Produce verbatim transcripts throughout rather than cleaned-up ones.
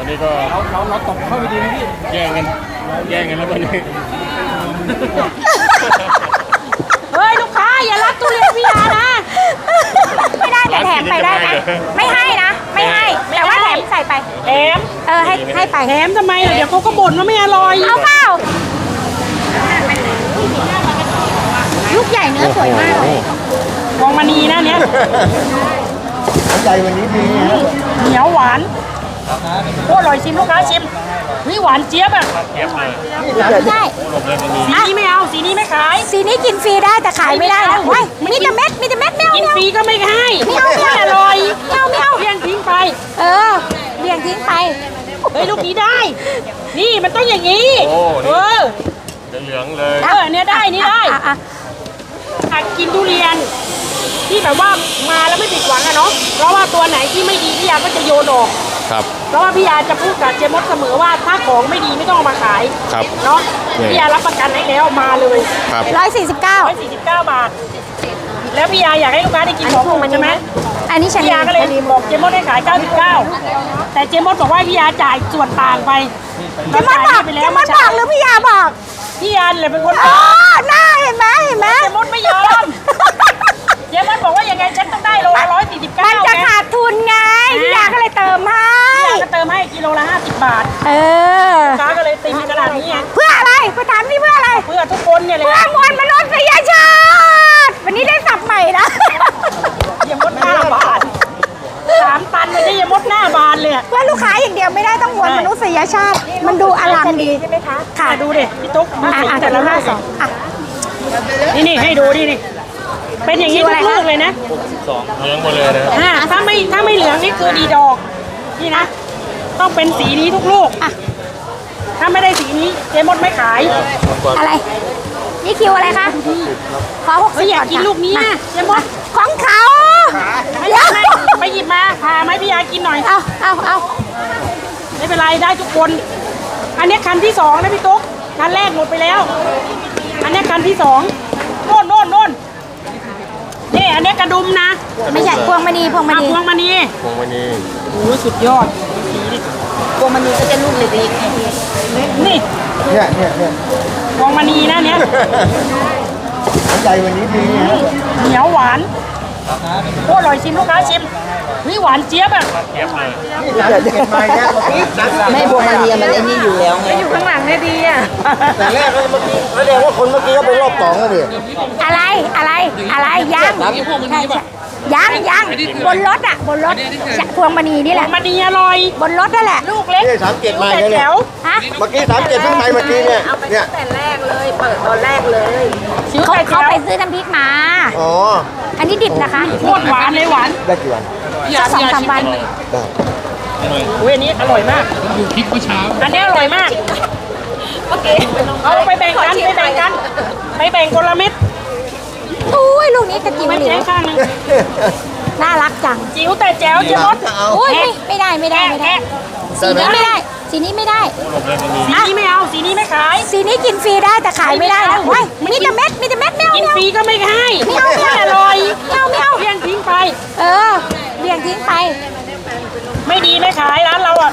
นี้ก็เราเราเราตกเข้าไปดีไหมพี่แย่งกันแย่งกันแล้ววันนี้เฮ้ยลูกค้าอย่ารับทุเรียนพี่ยานะไม่ได้แต่แถมไปได้นะไม่ให้นะไม่ให้แต่ว่าแถมใส่ไปแถมเออให้ให้ไปแถมทำไมเดี๋ยวเขาก็บ่นว่าไม่อร่อยเอาเปล่าลูกใหญ่เนื้อสวยมากเลยมองมานีนะเนี้ยใจวันนี้ดีเหนียวหวานโคตรอร่อยชิมลูกค้าชิมนี่หวานเจี๊ยบอ่ะเจี๊ยบเลยไม่ได้สีนี้ไม่เอาสีนี้ไม่ขายสีนี้กินฟรีได้แต่ขายไม่ได้นะว้ยมีแต่เม็ดมีแต่เม็ดไม่เอากินฟรีก็ไม่ให้ไม่เอาไม่อร่อยไม่เอาไม่เอาเลี้ยงทิ้งไปเออเลี้ยงทิ้งไปเฮ้ยลูกนี้ได้นี่มันต้องอย่างนี้เออเหลืองเลยเออเนี่ยได้นี่ได้หากกินทุเรียนที่แบบว่ามาแล้วไม่ผิดหวังอะเนาะเพราะว่าตัวไหนที่ไม่ดีพี่ยาก็จะโยนออกครับเพราะว่าพี่ยาจะพูดกับเจมส์เสมอว่าถ้าของไม่ดีไม่ต้องเอามาขายครับเนาะพี่ยารับประกันให้แล้วมาเลยครับร้อยสี่สิบเก้าร้อยสี่สิบเก้าบาทแล้วพี่ยาอยากให้ลูกค้าได้กินของถูกใช่ไหมอันนี้พี่ยาก็เลยบอกเจมส์ให้ขายเก้าสิบเก้าแต่เจมส์บอกว่าพี่ยาจ่ายส่วนต่างไปเจมส์บอกเจมส์บอกหรือพี่ยาบอกพี่ยาเลยเป็นคนอ๋อน่าเห็นไหมเห็นไหมเจมส์ไม่ยอมเจมส์บอกว่ายังไงฉันต้องได้โลละร้อยสี่สิบเก้ามันจะขาดทุนไงพี่ยาก็เลยเติมให้พี่ยาก็เติมให้กิโลละห้าสิบบาทเออลูกค้าก็เลยตีขนาดนี้ไงเพื่ออะไรคุณถามนี่เพื่ออะไรเพื่อทุกคนเนี่ยเลยเพื่อมวลมนุษยชาติวันนี้ได้สับใหม่นะเยมดหน้าบานสามตันเลยได้เยมดหน้าบานเลยเพื่อลูกค้าอย่างเดียวไม่ได้ต้องมวลมนุษยชาติมันดูอลังดีใช่ไหมคะค่ะดูดิพี่ตุ๊กอ่าแต่ละห้าสองนี่นี่ให้ดูดินี่เป็นอย่างนี้ทุกลูกเลยนะสองเหลืองหมดเลยนะอ่าถ้าไม่ถ้าไม่เหลืองนี่คือดีดอกนี่นะต้องเป็นสีนี้ทุกลูกอ่ะถ้าไม่ได้สีนี้เจมดไม่ขายอะไรนี่คิวอะไรคะขอหกสิบอยากกินลูกนี้นะเจมดของเขาไม่ใช่ไปหยิบมาพาไหมพี่ยากินหน่อยเอาเอาเอาไม่เป็นไรได้ทุกคนอันนี้คันที่สองนะพี่ตุ๊กคันแรกหมดไปแล้วอันนี้คันที่สองโน่นโน่นโน่นนี่อันนี้กระดุมนะไม่ใช่พวงมณีพวงมณีพวงมณีพวงมณีโอ้สุดยอดพวงมณีก็จะลูกเล็กๆนี่เนี่ยเนี่ยเนี่ยพวงมณีนะเนี่ยใจวันนี้ดีเหนียวหวานโคตรอร่อยชิมลูกค้าชิมนี่หวานเจี๊ยบอ่ะเจี๊ยบเลยไม่พวงมณีมันไอ้นี่อยู่แล้วไงอยู่ข้างหลังเนี่ยดีอ่ะแต่แรกเมื่อกี้แสดงว่าคนเมื่อกี้ก็เป็นรอบสองแล้วดิอะไรอะไรอะไรยังยังยังบนรถอ่ะบนรถพวงมณีนี่แหละพวงมณีอร่อยบนรถนั่นแหละลูกเล็กสามเจ็ดมาเนี่ยเมื่อกี้สามเจ็ดเพิ่งไปเมื่อกี้เนี่ยเนี่ยแต่แรกเลยเปิดตอนแรกเลยเขาเขาไปซื้อน้ำพริกมาอ๋ออันนี้ดิบนะคะโคตรหวานเลยหวานได้กี่วันสองสามวันได้เว้ยนี้อร่อยมากอยู่พริกเมื่อเช้าอันนี้อร่อยมากโอเคเอาไปแบ่งกันไปแบ่งกันไปแบ่งคนละเม็ดอุ้ยลูกนี้กระจิ๋วไม่ใช่ข้างนึงน่ารักจังจิ๋วแต่แจ๋วเจ๊มดอุ้ยไม่ได้ไม่ได้ไม่ได้สีนี้ไม่ได้สีนี้ไม่ได้สีนี้ไม่เอาสีนี้ไม่ขายสีนี้กินฟรีได้แต่ขายไม่ได้นะว้ยมีแต่เม็ดมีแต่เม็ดไม่เอากินฟรีก็ไม่ให้ไม่เอาไม่อร่อยไม่เอาไม่เอาเลี้ยงทิ้งไปเออเลี้ยงทิ้งไปไม่ดีไม่ขายร้านเราอ่ะ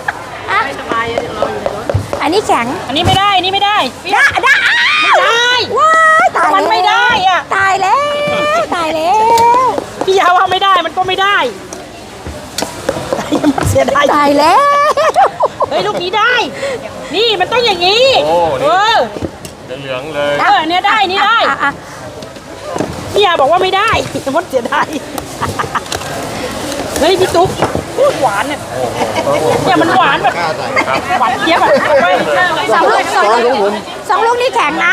อันนี้แข็งอันนี้ไม่ได้อันนี้ไม่ได้ได้ได้ไม่ได้ว้ายตายมันไม่ได้อ่ะตายแล้วตายแล้วพี่ยาว่าไม่ได้มันก็ไม่ได้ตายมันเสียดายตายแล้วเฮ้ยลูกนี้ได้นี่มันต้องอย่างนี้เออเหลืองเลยเออเนี่ยได้นี่ได้พี่ยาบอกว่าไม่ได้มันเสียดายเฮ้ยพี่ตุ๊กพูดหวานเนี่ยเนี่ยมันหวานแบบหวานเจี๊ยบอ่ะสองลูกสองลูกสองลูกนี่แข็งนะ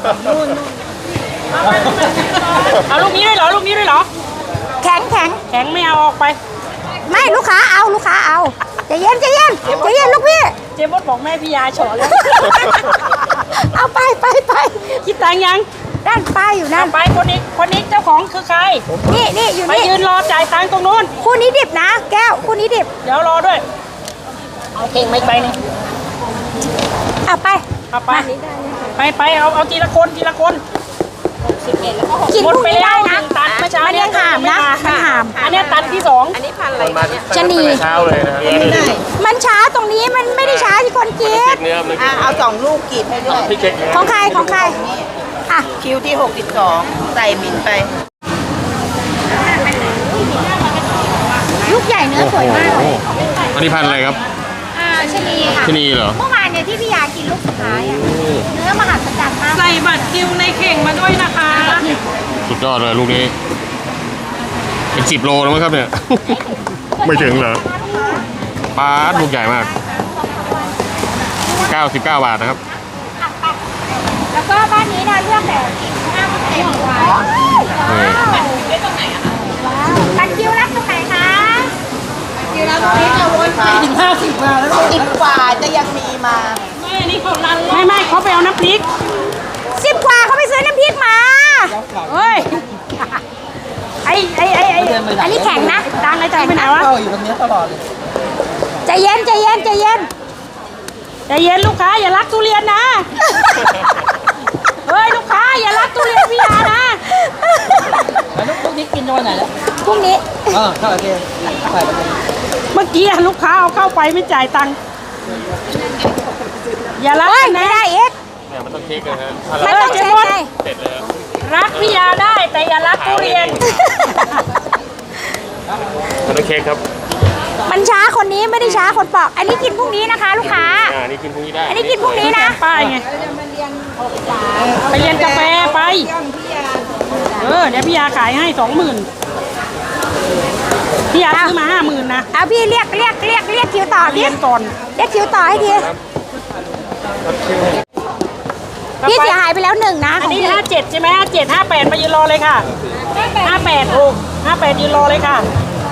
เอาลูกนี้ด้วยเหรอลูกนี้ด้วยเหรอแข็งแข็งแข็งไม่เอาออกไปไม่ลูกค้าเอาลูกค้าเอาใจเย็นใจเย็นใจเย็นลูกพี่เจ๊มดบอกแม่พี่ยาเฉาะแล้วเอาไปไปไปคิดตังยังด้านป้ายอยู่นั่นไปคนนี้คนนี้เจ้าของคือใครนี่นี่อยู่นี่ไปยืนรอจ่ายตังค์ตรงนู้นคู่นี้ดิบนะแก้วคู่นี้ดิบเดี๋ยวรอด้วยเอาเข่งไม่ไปนี่เอาไปเอาไปไปไปเอาเอาทีละคนทีละคนกินไปแล้วนะตันเมื่อเช้ามันยังหามนะมันหามอันนี้ตันที่สองอันนี้พันอะไรจะหนีเช้าเลยนะไม่มันช้าตรงนี้มันไม่ได้ช้าที่คนกิพรินกเนื้อมันอ่ะเอาสองลูกกรีดให้ด้วยพริกเช็คเนื้อของใครของใครอ่ะคิวที่หกสิบสองใส่บินไปลูกใหญ่เนื้อสวยมากเลยอันนี้พันธุ์อะไรครับอ่าชะนีค่ะชะนีเหรอเมื่อวานเนี่ยที่พี่ยากินลูกสุดท้ายอ่ะเนื้อมหัศจรรย์มากใส่บัตรคิวในเข่งมาด้วยนะคะสุดยอดเลยลูกนี้เป็นสิบโลแล้วมั้งครับเนี่ย ไม่ถึงเหรอปลาลูกใหญ่มากเก้าสิบเก้าบาทนะครับแล้วก็บ้านนี้นะเลือกแบบห้าเต็มว้าวบัตรคิวรับตรงไหนคะคิวรับตรงนี้จะวนไปถึงห้าสิบมาแล้วสิบกว่าจะยังมีมาไม่นี่เขาลันไม่ไม่เขาไปเอาน้ำพริกสิบกว่าเขาไปซื้อน้ำพริกมาเฮ้ยไอ้ไอ้ไอ้ไอ้อันนี้แข็งนะดังไอ้ใจไปไหนวะอยู่ตรงนี้ตลอดเลยใจเย็นใจเย็นใจเย็นใจเย็นลูกค้าอย่ารักทุเรียนนะ เฮ้ยลูกค้าอย่ารักทุเรียนพี่ยานะแล้วลูกนี้กินวันไหนแล้วพรุ่งนี้เออเข้าโอเคใส่ไปเลยเมื่อกี้ลูกค้าเอาเข้าไปไม่จ่ายตังค์อย่ารักเฮ้ยกันไม่นะได้เอ็กเนี่ยมันต้องเช็คนะฮะมันต้องเช็คไงเสร็จเลยรักพี่ยาได้แต่อย่ารักทุเรียนมันต้องเช็คครับมันช้าคนนี้ไม่ได้ช้าคนปอก อันนี้กินพรุ่งนี้นะคะ ลูกค้าอ่านี่กินพรุ่งนี้ได้อันนี้กินพรุ่งนี้นะป้ายไงไปเรียนกาแฟไปเออเดี๋ยวพี่ยาขายให้สองหมื่นพี่ยาซื้อมาห้าหมื่นนะเอาพี่เรียกเรียกเรียกเรียกคิวต่อเรีพี่ยนก่อนเรียกคิวต่อให้ทีพี่เสียหายไปแล้วหนึ่งนะขอัอน งนี้พี่ห้าเจ็ดใช่ไหมห้าเจ็ดห้าแปดมายืนรอเลยค่ะห้าแปดโอ้ห้าแปดยืนรอเลยค่ะ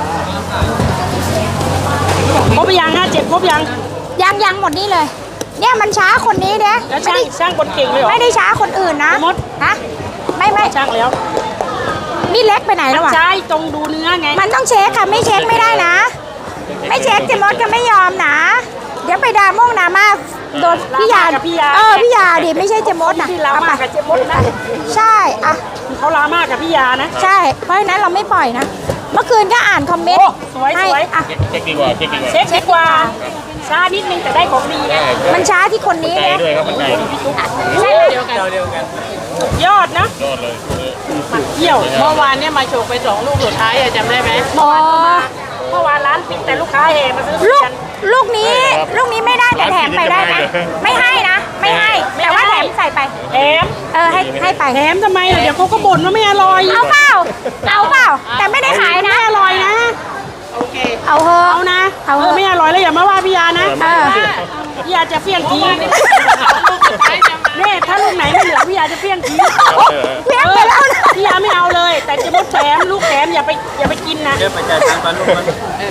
ครบยังห้าเจ็ดครบยังยังยังหมดนี่เลย เนี่ยมันช้าคนนี้เด้แล้วไม่ช่างได้ช่างคนเก่งเลยเหรอไม่ได้ช้าคนอื่นนะมดฮะไม่ไม่ช่างแล้วนี่เล็กไปไหนแล้วอ่ะใช่ตรงดูเนื้อไงมันต้องเช็คค่ะไม่เช็คไม่ได้นะ ไม่เช็คเจมดก็ไม่ยอมนะ เดี๋ยวไปดราม่งดราม่าโดนพี่ยากับพี่ยาเออพี่ยาดิไม่ใช่เจมดนะพี่ลาเอามาไปกับเจมดนะใช่อ่ะเขาลามากกับพี่ยานะใช่ เพราะฉะนั้นเราไม่ปล่อยนะ เมื่อคืนก็อ่านคอมเมนโอ้ต์สวยให้สวยอ่ะเช็คดีกว่าเช็คดีกว่าเช็คดีกว่าช้านิดนึงแต่ได้ของดีได้นะมันช้าที่คนนี้ใจนะด้วยครับมันใจใช่ไหมยอดนะยอดเลยเที่ยวเมื่อวานเนี่ยมาโชว์ไปสองลูกสุดท้ายอะจำได้ไหมอ๋อเมื่อวานร้านปิดแต่ลูกค้าแห่มาซื้อทุลูกเรียนลูกนี้ลูกนี้ไม่ได้แต่แถมไปได้นะ ไม่ให้นะ ไม่ให้ แต่ว่าแถมใส่ไปแถมเออให้ให้ไปแถมทำไมล่ะเดี๋ยวเขาก็บ่นว่าไม่อร่อยเอาเปล่า เอาเปล่า แต่ไม่ได้ขายนะไม่อร่อยนะโอเคเอาเถอะเอานะเอาเออไม่อร่อยแล้วอย่ามาว่าพี่ยานะเออพี่ยาจะเฟี้ยงทิ้งเนี่ยถ้าลูกไหนไม่เหลือพี่ยาจะเฟี้ยงทิ้งเลี้ยงไปแล้วนะพี่ยาไม่เอาเลย แต่จะมดแถมลูกแถมอย่าไปอย่าไปกินนะเดี๋ยวไปจ่ายตังค์ปันลูกมัน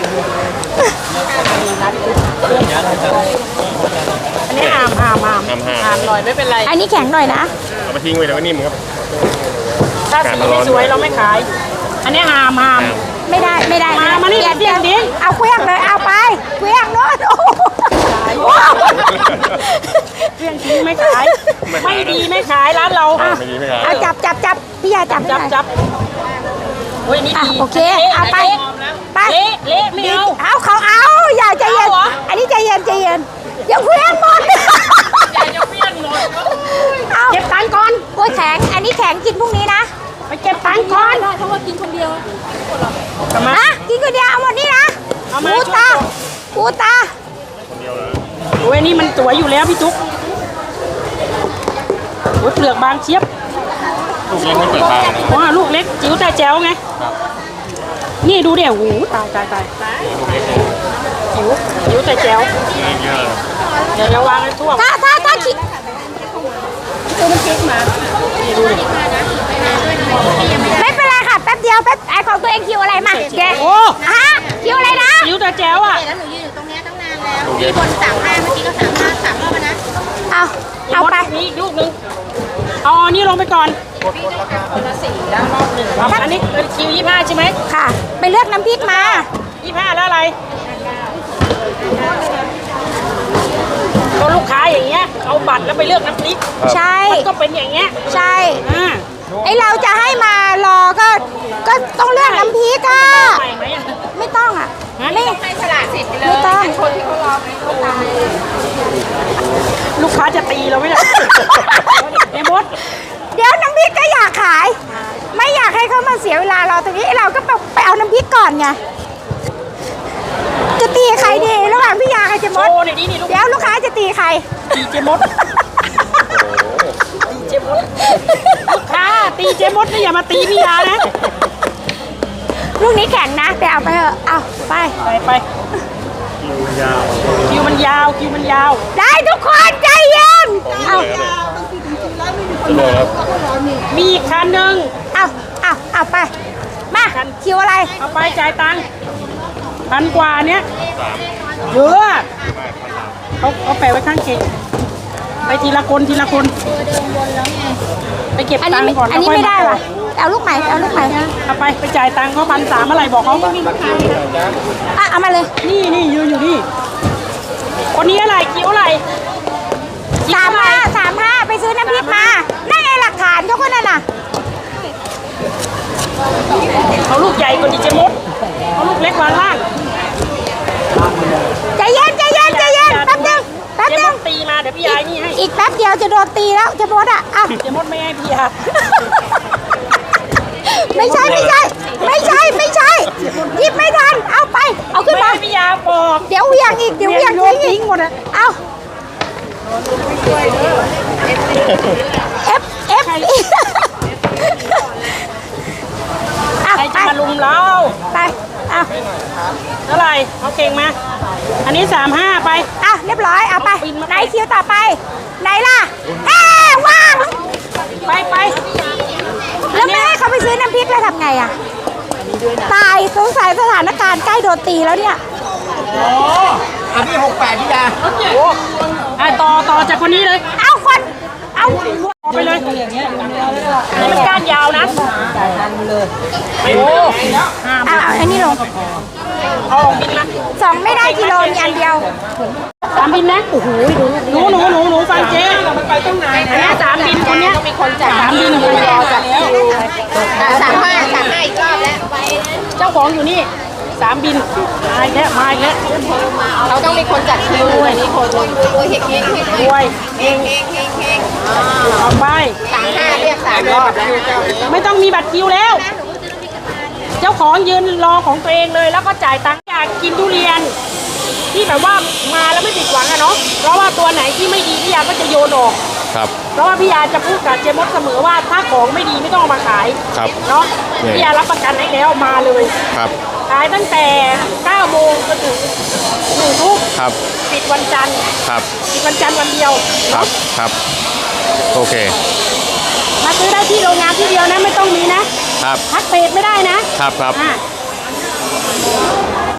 อันนี้หามหามหามทำห้าหามหน่อยไม่เป็นไรอันนี้แข็งหน่อยนะเอาไปทิ้งไว้แล้วก็นิ่มครับถ้าสีไม่สวยเราไม่ขาย อันนี้หามหามไม่ได้ไม่ได้มามานี่เปลี่ยนเปลี่ยนดิเอาเครื่องเลยเอาไปเครื่องโน้ตโอ้โหเรื่องทิ้งไม่ขาย ไม่ดีไม่ขายร้านเราไม่ดีไม่ขายเอาจับจับจับพี่ยาจับให้จับหน่อยจับโอ้ยนี่อ่ะดีโอเคเอาไปไปเละเละไม่เอาเอาเขาเอาอย่าใจเย็นเอาเหรออันนี้ใจเย็นใจเย็นอย่าเครื่องหมดอย่าจะเปลี่ยนหมดเอาเก็บตังค์ก่อนโอ้ยแข็งอันนี้แข็งกินพรุ่งนี้นะไปเก็บตังค์ก่อนเพราะว่ากินคนเดียวกลับมาฮะกินคนเดียวเอาหมดนี่นะเอามาปูตาปูตาโอ้ยนี่มันสวยอยู่แล้วพี่จุ๊กโอ้ยเปลือกบางเชียบลูกเล็กไม่เปิดทางนะว้าลูกเล็กจิ๋วแต่แจ๋วไง นี่ดูเดี๋ยวหูตายตายตายลูกเล็กเนี่ยจิ๋วจิ๋วแต่แจ๋วเล็กเยอะเดี๋ยวจะวางให้ทั่วถ้าถ้าถ้าคิดตัวมันเก๊กมานี่ดูดิไม่เป็นไรค่ะแป๊บเดียวแป๊บไอของตัวเองคิวอะไรมาเจ๊โอ้ฮะคิวอะไรนะจิ๋วแต่แจ๋วอ่ะแล้วหนูยืนอยู่ตรงเนี้ยตั้งนานแล้วลูกเล็กคนสามห้าเมื่อกี้ก็สามห้าสามรอบแล้วนะเอาเอาไปมีอีกลูกนึงเอาอันนี้ลงไปก่อนครับอันนี้เป็นคิวยี่ห้าใช่ไหมค่ะ ไปเลือกน้ำพริกมายี่ห้าแล้วอะไรก็ลูกค้าอย่างเงี้ยเอาบัตรแล้วไปเลือกน้ำพริกใช่มันก็เป็นอย่างเงี้ยใช่อ่าไอเราจะให้มารอก็ก็ต้องเลือกน้ำพริกอ่ะใหม่ไหมอะไม่ต้องอ่ะฮะไม่ให้สละสิทธิ์ไปเลยไม่ต้องคนที่เขารอไปค้าจะตีเราไหมเนี่ยเจมดเดี๋ยวน้ำพริกก็อยากขาย ไม่อยากให้เขามาเสียเวลาเราตรงนี้เราก็ไปไปเอาน้ำพริกก่อนไงจะตีใครดีระหว่างพี่ยากับเจมโอ้ดเดี๋ยวนี้นี่ลูกเดี๋ยวลูกค้าจะตีใครตีเจมดตีเจมดลูกค้าตีเจมดนะอย่ามาตีพี่ยานะลูกนี้แข็งนะแต่เอาไปเถอะเอาไปไปไปคิวมันยาวคิวมันยาวได้ทุกคนใจเย็นเอามีอีกคันหนึ่งเอาเอาเอาไปมาคิวอะไรเอาไปจ่ายตังค์พันกว่าเนี้ยเยอะเขาเขาแปะไว้ข้างเกงไปทีละคนทีละคนไปเก็บอันตันี้งค์ก่อนอันนี้แล้วค่ยไม่ได้าว่ะเอาลูกใหม่เอาลูกใหม่เอาไปไปจ่ายตังค์เขาพันสามอะไรบอกเขาอ่ะเอามาเลยนี่นี่ยืนอยู่นี่คนนี้อะไรคิ้วอะไรสามห้าสามห้าไปซื้อน้ำพริกมานั่นไงหลักฐานเขาคนนั้นน่ะเขาลูกใหญ่กว่าดีเจมดเขาลูกเล็กวางล่างใจเย็นใจเย็นใจเย็นแป๊บนึงแป๊บเจนึมงดตีมาเดี๋ยวพี่ยายนี่ให้อีกแป๊บเดียวจะโดนตีแล้วเจะโดนอ่ะอ่ะเจมดไม่ให้พี่ยาไม่ใช่ไม่ใช่ ไม่ใช่ไม่ใช่หยิบไม่ทันเอาไป เอาขึ้นไม่มาให้พี่ยาบอกเดี๋ยวเหวียงอีกเดี๋ยวเหวียงโยนทิ้งทิ้อีงกหมดอะเอาเอฟเอฟอ่ะใครไปจะมาลุมเราไปเอาเท่าไหร่เอาเก่งมา อันนี้สามห้าไปอ่ะเรียบร้อยเอาไปเอาบินมาไหนคิวต่อไป ไหนล่ะเอ้ว่างไปไปแล้วแม่ให้เขาไปซื้อน้ำพริกแล้วทำไงอ่ะตายสงสัยสถานการณ์ใกล้โดนตีแล้วเนี่ยอันนี้หกแปดพี่ยาโอ้อ่ะต่อต่อจากคนนี้เลยเอาคนเอาเอาไปเลยอย่างเงี้ยนี่มันก้านยาวนะโอ้ห้าเอาเอาอันนี้ลงเอาออกบินนะสองไม่ได้กิโลมีอันเดียวสามบินนะโอ้โหหนูหนูหนูหนูฟังเจ๊มันไปตรงไหนอันนี้สามบินคนเนี้ยมีคนจ่ายสามบินคนเดียวแล้วสามห้าสามห้าอีกรอบแล้วเจ้าของอยู่นี่สามบินมาอีกแล้วมาอีกแล้วเราต้องมีคนจัดคิวด้วยนี่คนรวยเฮงเฮงเฮงรวยเฮงเฮงเฮงเฮงเอาไปสามห้าเรียกสามรอบแล้วไม่ต้องมีบัตรคิวแล้ว เจ้าของยืนรอของตัวเองเลยแล้วก็จ่ายตังค์อยากกินทุเรียน ที่แบบว่ามาแล้วไม่ผิดหวังอะเนาะเพราะว่าตัวไหนที่ไม่ดีพี่ยาก็จะโยนออกครับเพราะว่าพี่ยาจะพูดกับเจมดเสมอว่าถ้าของไม่ดีไม่ต้องเอามาขายครับเนาะเนี่ยพี่ยารับประกันให้แล้วมาเลยครับขายตั้งแต่เก้าโมงจนถึงหนึ่งทุ่มครับปิดวันจันทร์ครับปิดวันจันทร์วันเดียวครับครับโอเคมาซื้อได้ที่โรงงานที่เดียวนะไม่ต้องมีนะครับ ทักเพจไม่ได้นะครับครับอ่า